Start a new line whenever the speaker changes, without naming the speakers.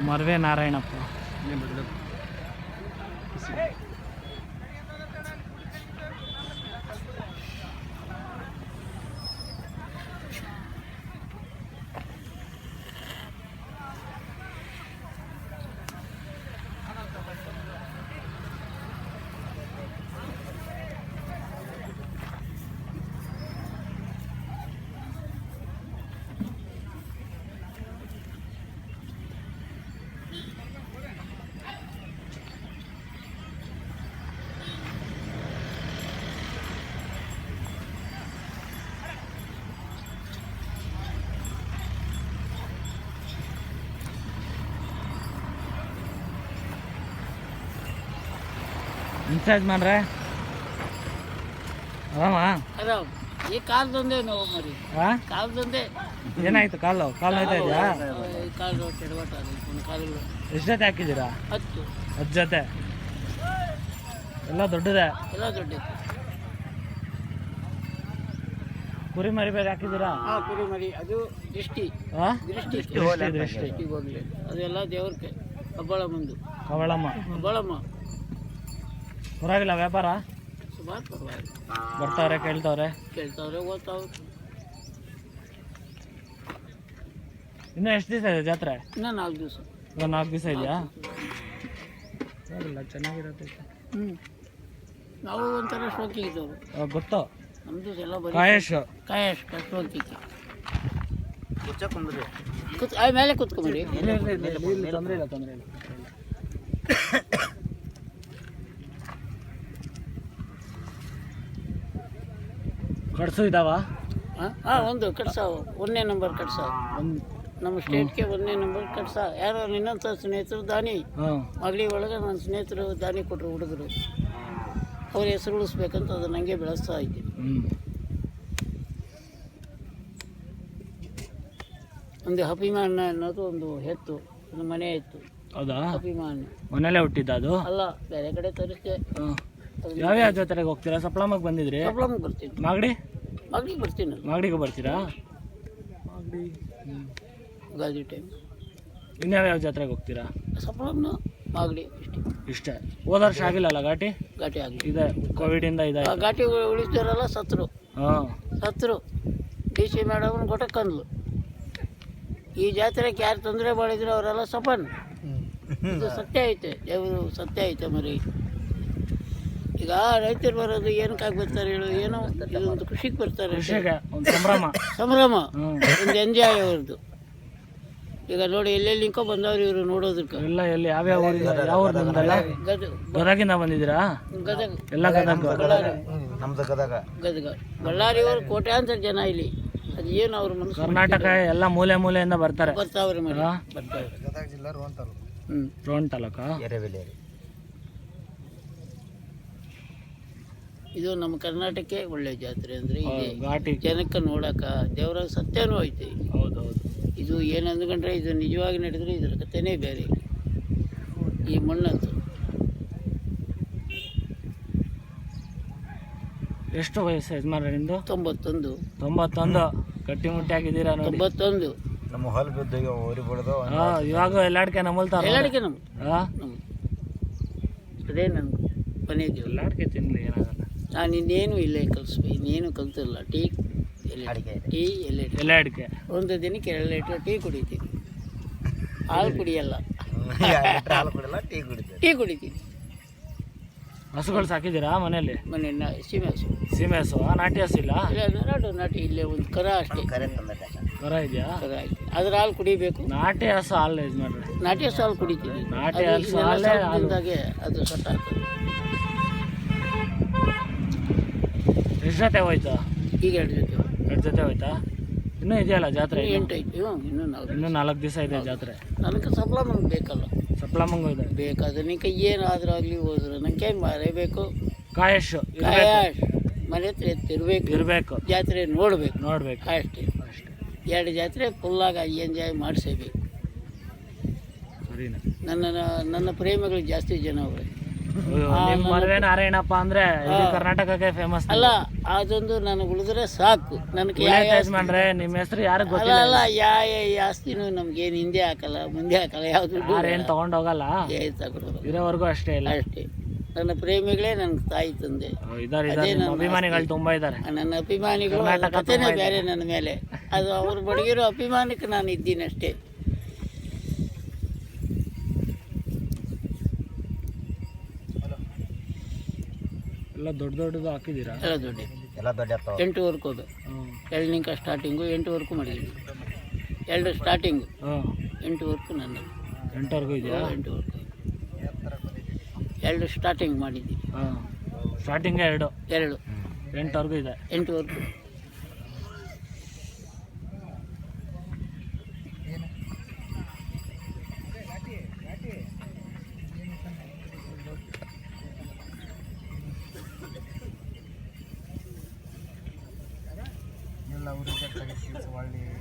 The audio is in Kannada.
ಮರ್ವೆ ನಾರಾಯಣಪ್ಪ. ಇನ್ಚಾರ್ಜ್ ಮಾಡ್ರೆ
ಆರಾಮ್. ಈ ಕಾಲದೊಂದೇ ನೋವು ಮರಿ, ಕಾಲದೊಂದೇ.
ಏನಾಯ್ತು? ಕಾಲು ನೋಯ್ತಾ ಇದೆಯಾ?
ಕಾಲು ಕೆಡವಟ ಕಾಲುಗಳು.
ಎಷ್ಟು ಜೊತೆ ಹಾಕಿದ್ದೀರಾ?
10
ಜೊತೆ. ಎಲ್ಲ ದೊಡ್ಡದೇ?
ಎಲ್ಲ ದೊಡ್ಡದು.
ಕುರಿ ಮರಿ ಬೇರೆ ಹಾಕಿದ್ದೀರಾ?
ಕುರಿ ಮರಿ. ಅದು ದೃಷ್ಟಿ ಹೋಗ್ಲಿ. ಅದೆಲ್ಲ ದೇವ್ರಿಗೆ ಕಬ್ಬಳ ಮುಂದು. ಕಬ್ಬಳಮ್ಮ
ಪರವಾಗಿಲ್ಲ ವ್ಯಾಪಾರ?
ಸುಮಾರು ಪರವಾಗಿಲ್ಲ.
ಬರ್ತಾವ್ರೆ, ಕೇಳ್ತಾವ್ರೆ,
ಓದ್ತಾವ್ರೆ.
ಇನ್ನೂ ಎಷ್ಟು ದಿವಸ ಇದೆ ಜಾತ್ರೆ?
ಇನ್ನೂ 4 ದಿವಸ.
4 ದಿವಸ ಇದೆಯಾ? ಪರವಾಗಿಲ್ಲ, ಚೆನ್ನಾಗಿರುತ್ತೆ.
ನಾವು ಒಂಥರ ಶೋಕಿ ಇದ್ದವರು.
ಗೊತ್ತು
ನಮ್ದು ಎಲ್ಲ ಬರೀ
ಕಾಯೇಶ್
ಶೋಕಿ. ಮೇಲೆ ಕೂತ್ಕೊಂಬರಿ.
ತೊಂದರೆ ಇಲ್ಲ. ಕಡ್ಸು ಇದಾವ?
ಒಂದು ಕಟ್ಸ, 1ನೇ ನಂಬರ್ ಕಟ್ಸ. ನಮ್ಮ ಸ್ಟೇಟ್ಗೆ 1ನೇ ನಂಬರ್ ಕಟ್ಸ. ಯಾರೋ ನಿನ್ನಂಥ ಸ್ನೇಹಿತರು ದಾನಿ ಮಗಳಿ ಒಳಗೆ ನನ್ನ ಸ್ನೇಹಿತರು ದಾನಿ ಕೊಟ್ಟರು ಹುಡುಗರು. ಅವ್ರ ಹೆಸರು ಉಳಿಸ್ಬೇಕಂತ ಅದು ನನಗೆ ಬೆಳೆಸ್ತಾ ಇದ್ದೀನಿ. ಒಂದು ಅಭಿಮಾನ ಅನ್ನೋದು ಒಂದು ಹೆತ್ತು, ಒಂದು ಮನೆ ಇತ್ತು.
ಹೌದಾ?
ಅಭಿಮಾನ
ಮನೇಲೆ ಹುಟ್ಟಿದ್ದ ಅದು?
ಅಲ್ಲ, ಬೇರೆ ಕಡೆ ತರಿಸ್ದೆ.
ಯಾವ್ಯಾವ ಜಾತ್ರೆಗೆ ಹೋಗ್ತೀರಾ? ಸಪ್ಲಮ್ಮಗೆ ಬಂದಿದ್ರಿ?
ಸಪ್ಲಮ್ಗೆ ಬರ್ತೀನಿ. ಮಾಗಡಿಗೆ ಬರ್ತೀನಿ.
ಮಾಗಡಿಗೆ ಬರ್ತೀರಾ?
ಗಾದಿ ಟೈಮ್.
ಇನ್ಯಾವ್ಯಾವ ಜಾತ್ರೆಗೆ ಹೋಗ್ತೀರಾ?
ಸಪ್ಲಮ್ನ ಮಾಗಡಿ
ಇಷ್ಟೇ. ಹೋದ ವರ್ಷ ಆಗಿಲ್ಲಲ್ಲ ಘಾಟಿ
ಆಗಿ
ಇದೆ, ಕೋವಿಡ್ ಇಂದ ಇದೆ.
ಘಾಟಿ ಉಳಿಸ್ತಾರಲ್ಲ, ಸತ್ರು. DC ಮೇಡಮ್ ಗೊಟ್ಟಕ್ಕಂದ್ಲು. ಈ ಜಾತ್ರೆಗೆ ಯಾರು ತೊಂದರೆ ಮಾಡಿದ್ರು ಅವರೆಲ್ಲ ಸಪನ್. ಇದು ಸತ್ಯ ಐತೆ, ದೇವರು ಸತ್ಯ ಐತೆ ಮರಿ. ಈಗ ರೈತರು ಬರೋದು ಏನಕ್ಕಾಗಿ ಬರ್ತಾರೆ ಹೇಳು? ಏನೋ ಇದೊಂದು ಖುಷಿಗೆ ಬರ್ತಾರೆ, ಸಂಭ್ರಮ, ಒಂದು ಎಂಜಾಯ್ ಅವ್ರದ್ದು. ಈಗ ನೋಡಿ, ಎಲ್ಲೆಲ್ಲಿ ನಿಂಕೊ ಬಂದವ್ರು ಇವರು ನೋಡೋದಕ್ಕೆ.
ಎಲ್ಲ ಎಲ್ಲಿ ಯಾವ್ಯಾವ ಗದಗಿಂದ ಬಂದಿದ್ದೀರಾ?
ಗದಗ.
ಎಲ್ಲ
ಗದಗ ಬಳ್ಳಾರಿ ಅವರು ಕೋಟ್ಯಾಂತರ ಜನ ಇಲ್ಲಿ. ಅದು ಏನು ಅವ್ರ ಮನಸ್ಸು,
ಕರ್ನಾಟಕ ಎಲ್ಲ ಮೂಲೆಯಿಂದ ಬರ್ತಾರೆ.
ಬರ್ತಾವ್ರೆ ಮರಿ,
ರೋಣ ತಾಲೂಕ.
ಇದು ನಮ್ಮ ಕರ್ನಾಟಕಕ್ಕೆ ಒಳ್ಳೆ ಜಾತ್ರೆ ಅಂದರೆ ಇದೆ.
ಘಾಟಿ
ಜನಕ್ಕೆ ನೋಡಕ ದೇವರ ಸತ್ಯನೂ ಐತೆ.
ಹೌದೌದು.
ಇದು ಏನು ಅಂದ್ಕೊಂಡ್ರೆ ಇದು ನಿಜವಾಗಿ ನಡೆದ್ರೆ ಇದರ ಕಥೆನೇ ಬೇರೆ. ಈ ಮಣ್ಣಂತೂ.
ಎಷ್ಟು ವಯಸ್ಸು ಯಜಮಾನ್ರೆ ನಿಮ್ಮದು?
91.
ಗಟ್ಟಿ ಮುಟ್ಟಿ ಆಗಿದ್ದೀರಾ ನೋಡಿ.
91.
ನಮ್ಮ ಹೊಲ ಬಿದ್ದು ಊರಿ ಬಿಡೋದು.
ಇವಾಗ ಎಲ್ಲಾಡ್ಕೆ ನಮ್ಮಲ್ತಾರ.
ಎಲ್ಲಾಡಿಕೆ ಅದೇ ನನ್ಗೆ ಕೊನೆಯದು.
ಎಲ್ಲಾಡ್ಕೆ ತಿನ್ನಲಿ, ಏನಾಗಲ್ಲ.
ನಾನು ಇನ್ನೇನು ಇಲ್ಲೇ ಕಲಿಸ್ಬೇಕು, ಇನ್ನೇನು ಕಲ್ತಿಲ್ಲ. ಟೀ ಎಲೆ
ಅಡಿಕೆ
ಒಂದು ದಿನಕ್ಕೆ 2 ಲೀಟ್ರ್ ಟೀ ಕುಡಿತೀನಿ. ಹಾಲು ಕುಡಿಯಲ್ಲ, ಟೀ ಕುಡಿತೀನಿ.
ಹಸುಗಳು ಸಾಕಿದ್ದೀರಾ ಮನೆಯಲ್ಲಿ?
ಮನೆ ಸೀಮೆ ಹಸು.
ನಾಟಿ ಹಸು ಇಲ್ಲ?
ನಾಟಿ ಇಲ್ಲೇ ಒಂದು ಕರ ಅಷ್ಟೇ.
ಕರ ಇದೆಯಾ?
ಕರ ಐತೆ, ಅದ್ರ ಹಾಲು ಕುಡಿಬೇಕು.
ನಾಟಿ ಹಸು ಹಾಲು ಇದು ಮಾಡ್ರಿ.
ನಾಟಿ ಹಸು ಹಾಲು ಕುಡಿತೀನಿ.
ನಾಟಿ ಹಸು ಹಾಲಿಂದಾಗೆ
ಅದು ಸಟ್ಟ ಆಗ್ತದೆ.
ಎಷ್ಟು ಜೊತೆ ಹೋಯ್ತು
ಈಗ? 2
ಜೊತೆ ಹೋಯ್ತಾ? ಇನ್ನೂ ಇದೆಯಲ್ಲ ಜಾತ್ರೆ?
8 ಐತಿ.
ಇನ್ನೂ 4 ದಿವಸ ಇದೆ ಜಾತ್ರೆ.
ನನಗೆ ಸಪ್ಲಮ್ಗೆ ಬೇಕಲ್ಲ.
ಸಪ್ಲಮ್ಮಂಗೂ ಇದೆ
ಬೇಕಾದ್ರೆ ನಿಂಗೆ ಏನಾದರೂ ಆಗಲಿ ಹೋದ್ರೆ ನನಗೆ ಮರೆಯಬೇಕು.
ಕಾಯಶ್
ಮನೆ ಹತ್ರ ಎತ್ತಿರಬೇಕು, ಜಾತ್ರೆ ನೋಡಬೇಕು ಅಷ್ಟೇ. 2 ಜಾತ್ರೆ ಫುಲ್ಲಾಗಿ ಎಂಜಾಯ್ ಮಾಡಿಸಬೇಕು. ನನ್ನ ಪ್ರೇಮಿಗಳು ಜಾಸ್ತಿ ಜನ ಅವರೇ.
ನಿಮ್ಮ ಮದುವೆ ನಾರಾಯಣಪ್ಪ ಅಂದ್ರೆ ಇಡೀ ಕರ್ನಾಟಕಕ್ಕೆ ಫೇಮಸ್.
ಅಲ್ಲ ಅದೊಂದು ನನಗೆ ಉಳಿದ್ರೆ ಸಾಕು. ನನಗೆ
ಯಜಮಾನ್ರೆ ನಿಮ್ಮ ಹೆಸರು ಯಾರಿಗೂ
ಅಲ್ಲ
ಗೊತ್ತಿಲ್ಲ.
ಅಲ್ಲ ಈ ಆಸ್ತಿನೂ ನಮ್ಗೇನು ಹಿಂದೆ ಹಾಕಲ್ಲ ಮುಂದೆ ಹಾಕಲ್ಲ, ಯಾವುದು
ಯಾರೇನು ತಗೊಂಡೋಗಲ್ಲ,
ತಗೊಳ್ಳೋದು
ಇರೋವರೆಗೂ ಅಷ್ಟೇ ಇಲ್ಲ.
ಅಷ್ಟೇ. ನನ್ನ ಪ್ರೇಮಿಗಳೇ ನನಗೆ ತಾಯಿ ತಂದೆ.
ಇದಾರೆ
ಅದೇ
ನಿಮ್ಮ
ನನ್ನ
ಅಭಿಮಾನಿಗಳು ತುಂಬಾ ಇದ್ದಾರೆ.
ನನ್ನ ಅಭಿಮಾನಿಗಳು
ಕರ್ನಾಟಕ
ಕಥೆನೇ
ತುಂಬ ಇದೆ.
ಬೇರೆ ನನ್ನ ಮೇಲೆ. ಅದು ಅವ್ರು ಬಡಗಿರೋ ಅಭಿಮಾನಕ್ಕೆ ನಾನು ಇದ್ದೀನಿ ಅಷ್ಟೇ.
ಎಲ್ಲ ದೊಡ್ಡ ದೊಡ್ಡದು ಹಾಕಿದ್ದೀರಾ?
ಎಲ್ಲ ದೊಡ್ಡ
ಎಲ್ಲ ದೊಡ್ಡ ಎತ್ತವ.
8 ವರ್ಕು ಅದು. 2 ಸ್ಟಾರ್ಟಿಂಗು 8 ವರ್ಕು ಮಾಡಿದ್ದೀನಿ. 2 ಸ್ಟಾರ್ಟಿಂಗು 8 ವರ್ಕು ನನ್ನದು.
8ವರೆಗೂ ಇದೆಯಾ?
8 ವರ್ಕು 2 ಸ್ಟಾರ್ಟಿಂಗ್ ಮಾಡಿದ್ದೀನಿ.
ಸ್ಟಾರ್ಟಿಂಗ್ 2 8ವರೆಗೂ ಇದೆ.
8 ವರ್ಕು.
ಎಲ್ಲ ಊರಿಗೆ